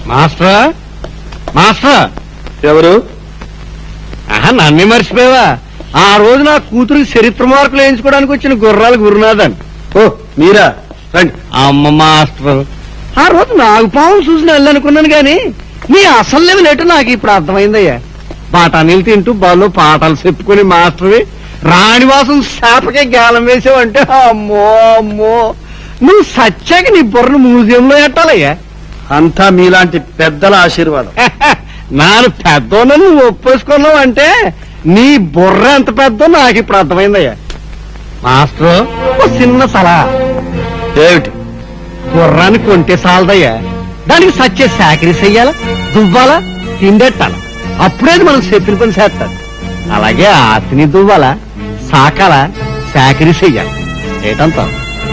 మాస్టరా మాస్టరా ఎవరు? నన్ను మర్చిపోయావా? ఆ రోజు నా కూతురికి చరిత్ర మార్కులు వేయించుకోవడానికి వచ్చిన గుర్రాలు గురునాథన్. ఓ మీరా, రండి. అమ్మ మాస్టర్, ఆ రోజు నాకు పాము చూసిన వెళ్ళనుకున్నాను గాని నీ అసలు లెవెల్ ఏంటో నాకు ఇప్పుడు అర్థమైందయ్యా. బఠానీలు తింటూ బాలో పాఠాలు చెప్పుకుని మాస్టర్వి రాణివాసం శాపకే గాలం వేసావంటే అమ్మో అమ్మో, నువ్వు సచ్చాక నీ బుర్రను మ్యూజియంలో ఎట్టాలయ్యా. అంతా మీలాంటి పెద్దల ఆశీర్వాదం. నాను పెద్దోன்னு నువ్వు ఒప్పేసుకున్నావు అంటే నీ బుర్ర ఎంత పెద్దో నాకు ఇప్పుడు అర్థమైందయ్యా. మాస్టర్, ఓ చిన్న సలహా. ఏమిటి? గుర్రాన్ని కొంటే సాలదయ్యా, దానికి సచ్చే సాకరీ చెయ్యాలా, దువ్వాలా, తిండెట్టాలా, అప్పుడేది మనం చెప్పిన పని చేస్తాడు. అలాగే ఆతిని దువ్వాలా, సాకాలా, సాకరీ చెయ్యాలి. ఏటంతా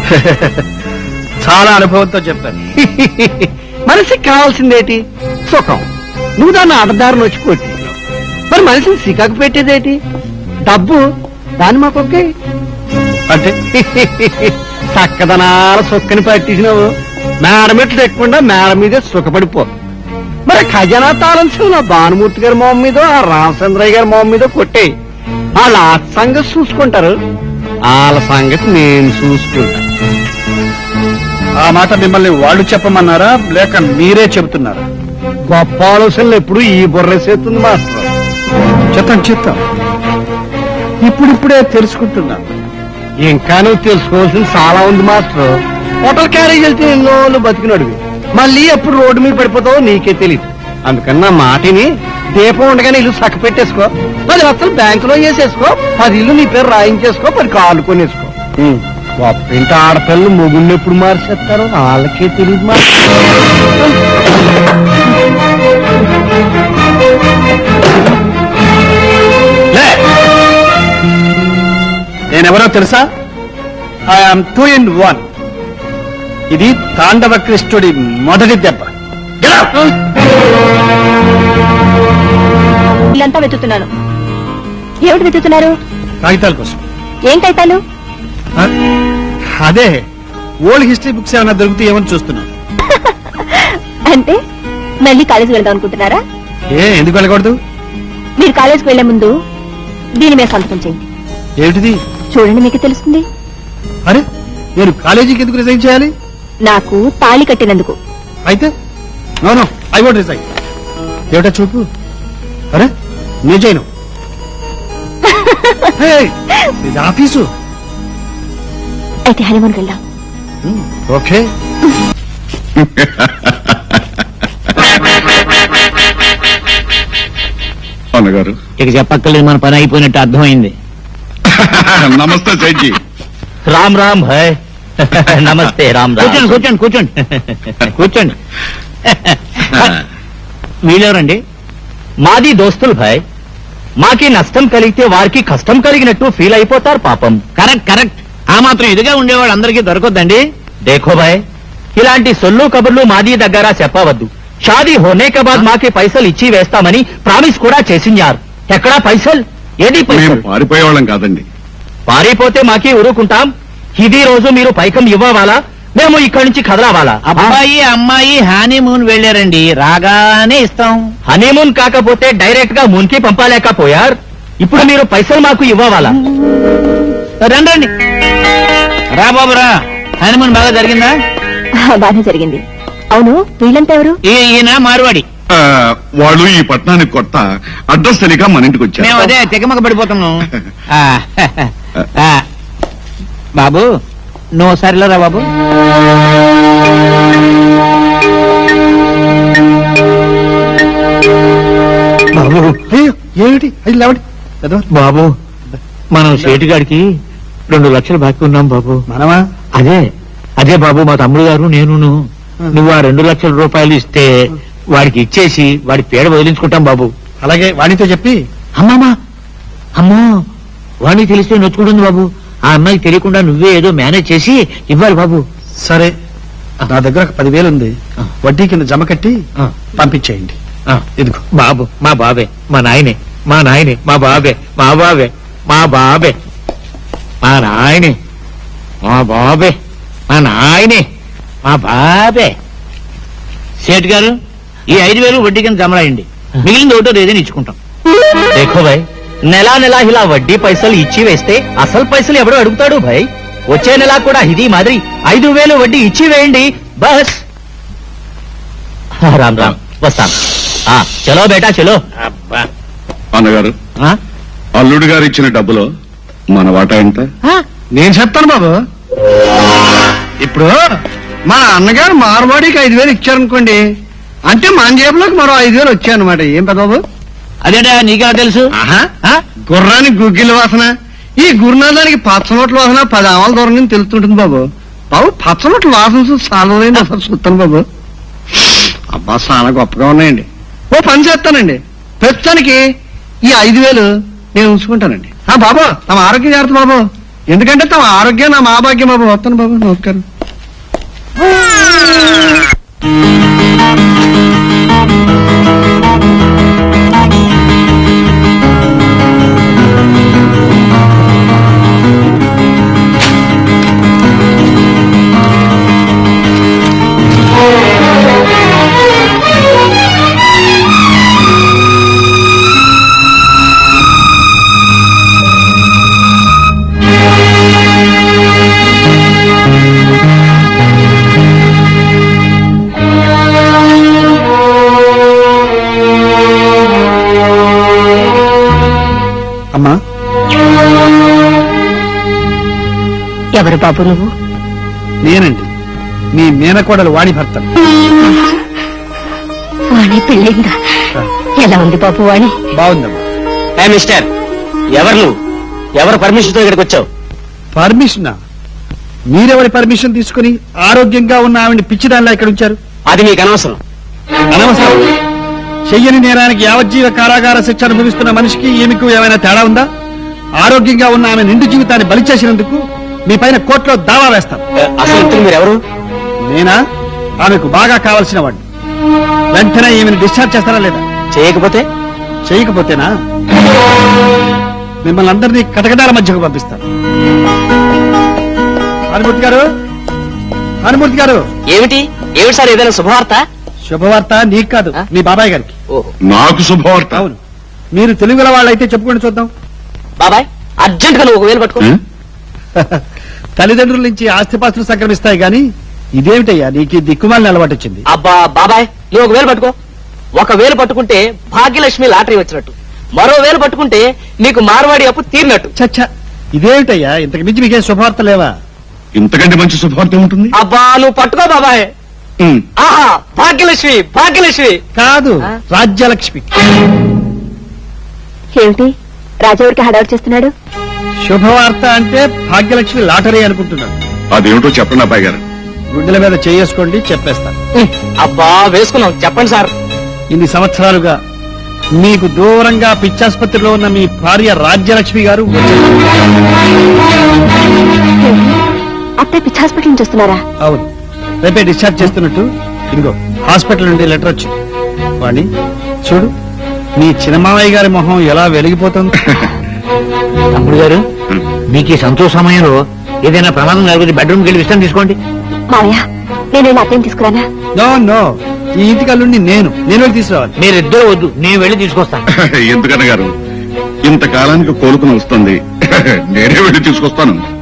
చాలా అనుభవంతో చెప్పాను. మనిషికి కావాల్సిందేటి? సుఖం. నువ్వు దాన్ని అడ్డదారిని వచ్చి కొట్టి మరి మనిషిని సికాకు పెట్టేదేటి? డబ్బు. దాన్ని మాకొక్కే అంటే చక్కదనాల సుక్కని పట్టించినావు. మేడమెట్లు తెక్కకుండా మేడ మీదే సుఖపడిపో. మరి ఖజానా తాళం నా భానుమూర్తి గారి మొహం మీద, ఆ రామచంద్రయ్య గారి మొహం మీద కొట్టే. వాళ్ళ ఆ సంగతి చూసుకుంటారు, వాళ్ళ సంగతి నేను చూసుకుంటా. ఆ మాట మిమ్మల్ని వాళ్ళు చెప్పమన్నారా లేక మీరే చెబుతున్నారా? గొప్ప ఆలోచనలు ఎప్పుడు ఈ బుర్రేసేస్తుంది మాస్టర్. చెప్తాం ఇప్పుడిప్పుడే తెలుసుకుంటున్నాను. ఇంకా నువ్వు తెలుసుకోవాల్సింది చాలా ఉంది మాస్టర్. హోటల్ క్యారేజ్ వెళ్తే ఎన్నోళ్ళు బతికినడువి, మళ్ళీ ఎప్పుడు రోడ్డు మీద పడిపోతావో నీకే తెలియదు. అందుకని నా మాటిని దీపం ఉండగానే ఇల్లు సక్క పెట్టేసుకో, 10 లక్షలు బ్యాంకులో వేసేసుకో, 10 ఇల్లు నీ పేరు రాయించేసుకో, 10 కార్లు కొనేసుకో. గొప్ప ఇంటి ఆడపిల్లలు మొగుళ్ళు ఎప్పుడు మార్చేస్తారో వాళ్ళకే తెలియదు మాస్టర్. నేనెవరో తెలుసా? I am 2 in 1. ఇది తాండవ కృష్ణుడి మొదటి దెబ్బ. ఇల్లంతా వెతుకుతున్నాను. ఏమిటి వెతుకుతున్నారు? కాగితాల కోసం. ఏం కాగితాలు? అదే ఓల్డ్ హిస్టరీ బుక్స్ ఏమైనా దొరికితే ఏమని చూస్తున్నాను. అంటే మళ్ళీ కాలేజీకి వెళ్దాం అనుకుంటున్నారా? ఎందుకు వెళ్ళకూడదు? మీరు కాలేజీకి వెళ్లే ముందు దీని మీద సంతకం చేయండి. ఏమిటిది? చూడండి, మీకు తెలుస్తుంది. అరే, నేను కాలేజీకి ఎందుకు రిజైన్ చేయాలి? నాకు తాళి కట్టినందుకు. అయితే నో ఐ వోంట్ రిజైన్. ఏమిటా చూపు? అరే నేను చేయను. ఇది ఆఫీసు. అయితే హనీమూన్కి వెళ్దాం. ఓకే. అన్నగారు ఇక చెప్పక్కర్లేదు, మన పని అయిపోయినట్టు అర్థమైంది. నమస్తే సైడ్జీ. రామ్ రామ్ భాయ్. నమస్తే రామ్ రామ్. కూర్చోండి కూర్చోండి కూర్చోండి. వీళ్ళెవరండి? మాది దోస్తులు భాయ్. మాకి నష్టం కలిగితే వారికి కష్టం కలిగినట్టు ఫీల్ అయిపోతారు పాపం. Correct correct. ఆ మాత్రం ఎదుగా ఉండేవాడు అందరికీ దొరకొద్దండి. దేఖో భాయ్, ఇలాంటి సొల్లు కబుర్లు మాది దగ్గర చెప్పవద్దు. షాదీ హోనే కే బాద్ మాకి పైసలు ఇచ్చి వేస్తామని ప్రామిస్ కూడా చేసించారు. ఎక్కడా పైసలు? ఏది పైసలు? పారిపోయేవాళ్ళం కాదండి. పారిపోతే మాకి ఊరుకుంటాం. ఇది రోజు మీరు పైకం ఇవ్వవాలా, మేము ఇక్కడి నుంచి కదలవాలా? అబ్బాయి అమ్మాయి హనీమూన్ వెళ్ళారండి, రాగానే ఇస్తాం. హనీమూన్ కాకపోతే డైరెక్ట్ గా మూన్ కి పంపలేకపోయారు. ఇప్పుడు మీరు పైసలు మాకు ఇవ్వవాలా? రండి రా బాబు రా. హనీమూన్ బాగా జరిగిందా? బాగా జరిగింది. అవును, వీళ్ళంతా ఎవరు? ఈయన మార్వాడి. వాళ్ళు ఈ పట్టణానికి కొత్త, అడ్రస్ తెలియక మన ఇంటికి మేము వచ్చారు. అదే తెగమగ పడిపోతున్నాం. బాబు నువ్వు సరిలో రా బాబు. బాబు ఏమిటి అది లేవండి. బాబు, మనం సేటుగాడికి 2 లక్షలు బాకీ ఉన్నాం బాబు. మనమా? అదే బాబు, మా తమ్ముడు గారు నేను. నువ్వు ఆ 2 లక్షల రూపాయలు ఇస్తే వాడికి ఇచ్చేసి వాడి పేడ వదిలించుకుంటాం బాబు. అలాగే వాడితో చెప్పి. అమ్మో, వాడికి తెలిస్తే నొచ్చుకుంటుంది బాబు. ఆ అమ్మాయికి తెలియకుండా నువ్వే ఏదో మేనేజ్ చేసి ఇవ్వాలి బాబు. సరే, నా దగ్గర 10,000 ఉంది. వడ్డీ కింద జమ కట్టి పంపించేయండి. ఇదిగో బాబు, మా బాబే, మా నాయనే, మా నాయనే, మా బాబే, మా బాబే, మా బాబే, మా నాయనే, మా బాబే, మా నాయనే, మా బాబే. సేట్ గారు ఈ 5,000 వడ్డీ కింద జమరాయండి. మిగిలింది ఒకటో ఏదైనా ఇచ్చుకుంటాం. देखो भाई నెలా నెలా ఇలా వడ్డీ పైసలు ఇచ్చి వేస్తే అసలు పైసలు ఎవడో అడుగుతాడు భాయ్. వచ్చే నెల కూడా ఇది మాదిరి 5,000 వడ్డీ ఇచ్చి వేయండి బస్. రామ్ రామ్ వస్తాం. చలో బేటా చలో. అబ్బా. అన్నగారు, అల్లుడు గారు ఇచ్చిన డబ్బులో మన వాటా ఎంత? నేను చెప్తాను బాబు. ఇప్పుడు మా అన్నగారు మార్వాడికి 5,000 ఇచ్చారనుకోండి, అంటే మన జేబులోకి మరో 5,000 వచ్చాయన్నమాట. ఏం పెద్ద బాబు? అదేటా నీకెలా తెలుసు? గుర్రానికి గుగ్గిల వాసన, ఈ గురునాథానికి పచ్చనోట్ల వాసన 10 ఆమల దూరం నుంచి తెలుస్తుంటుంది బాబు. బాబు పచ్చనోట్ల వాసన చూసి సాలైంది అసలు చూస్తాను బాబు. అబ్బా చాలా గొప్పగా ఉన్నాయండి. ఓ పని చేస్తానండి, ప్రస్తుతానికి ఈ 5,000 నేను ఉంచుకుంటానండి. బాబు తమ ఆరోగ్యం జాగ్రత్త బాబు, ఎందుకంటే తమ ఆరోగ్యం నా భాగ్యం బాబు. వస్తాను బాబు, నమస్కారం. అమ్మా, ఎవరు బాబు నువ్వు? నేనండి మీ మేనకోడలు వాణి భర్త. వాణి పెళ్ళిందా? ఎలా ఉంది బాబు వాణి? బాగుందమ్మా. మిస్టర్ ఎవరు నువ్వు? ఎవరు పర్మిషన్ తో ఇక్కడికి వచ్చావు? పర్మిషనా? మీరెవరి పర్మిషన్ తీసుకుని ఆరోగ్యంగా ఉన్న ఆవిడ పిచ్చిదానిలా ఇక్కడ ఉంచారు? అది మీకు అనవసరం. అనవసరం. చెయ్యని నేరానికి యావజ్జీవ కారాగార శిక్ష అనుభవిస్తున్న మనిషికి ఈమెకు ఏమైనా తేడా ఉందా? ఆరోగ్యంగా ఉన్న ఆమె నిండు జీవితాన్ని బలి చేసినందుకు మీ పైన కోర్టులో దావా వేస్తాం. అసలు ఇంతకు మీరెవరు? నేనా? ఆమెకు బాగా కావలసిన వాడిని. వెంటనే ఈమెను డిశ్చార్జ్ చేస్తారా లేదా? చేయకపోతే? చేయకపోతేనా మిమ్మల్ని అందరినీ కటకటాల మధ్యకు పంపిస్తాను. హనుమూర్తి గారు, హనుమూర్తి గారు. ఏమిటి ఏమిటి సార్, ఏదైనా శుభవార్త? శుభవార్త నీకు కాదు, మీ బాబాయ్ గారికి. ఓహో. నాకు శుభవార్త. అవును, మీరు తెలుగుల వాళ్ళైతే చెప్పుకొని చూద్దాం. బాబాయ్ అర్జెంట్ గా నువ్వు 1,000 పట్టుకో. ఏ? తల్లిదండ్రుల నుంచి ఆస్తిపాస్తులు సంక్రమిస్తాయి గాని ఇదేమిటయ్యా నీకు ఈ దిక్కుమాలిన అలవాటు వచ్చింది? అబ్బా బాబాయ్ నువ్వు 1,000 పట్టుకో. 1,000 పట్టుకుంటే భాగ్యలక్ష్మి లాటరీ వచ్చినట్టు, మరో 1,000 పట్టుకుంటే నీకు మార్వాడి అప్పు తీరినట్టు. చచ్చా, ఇదేమిటయ్యా ఇంతకు మించి మీకేం శుభవార్త లేవా? ఇంతకంటే మంచి శుభవార్త ఉంటుంది? అబ్బా నువ్వు పట్టుకో బాబాయ్. ఆహా, భాగ్యలక్ష్మి భాగ్యలక్ష్మి కాదు, రాజ్యలక్ష్మి. ఏమిటి రాజావుడికి హడావుడు చేస్తున్నాడు? శుభవార్త అంటే భాగ్యలక్ష్మి లాటరీ అనుకుంటున్నాను. అదేమిటో చెప్పండి అబ్బాయి గారు. గుండెల మీద చేసుకోండి, చెప్పేస్తాను. అబ్బా వేసుకున్నాం, చెప్పండి సార్. ఇన్ని సంవత్సరాలుగా మీకు దూరంగా పిచ్చాసుపత్రిలో ఉన్న మీ భార్య రాజ్యలక్ష్మి గారు అప్పుడే పిచ్చి హాస్పిటల్ నుంచి వస్తున్నారా? అవును, రేపే డిశ్చార్జ్ చేస్తున్నట్టు ఇదిగో హాస్పిటల్ నుండి లెటర్ వచ్చింది. వాణి చూడు, మీ చిన్నమామయ్య గారి మొహం ఎలా వెలిగిపోతుంది. తమ్ముడు గారు, మీకు ఈ సంతోష సమయంలో ఏదైనా ప్రమాదం కలిగితే బెడ్రూమ్కి వెళ్ళి విశ్రాంతి తీసుకోండి. మావయ్య నేను వెళ్ళి అత్తయ్యని తీసుకురానా? నో నో, ఈ ఇంటికి అల్లుండి నేను వెళ్ళి తీసుకురావాలి. మీరిద్దరూ వద్దు, నేను వెళ్ళి తీసుకొస్తాను. ఎందుకన్న గారు, ఇంతకాలానికి కోలుకుని వస్తుంది. నేనే వెళ్ళి తీసుకొస్తాను.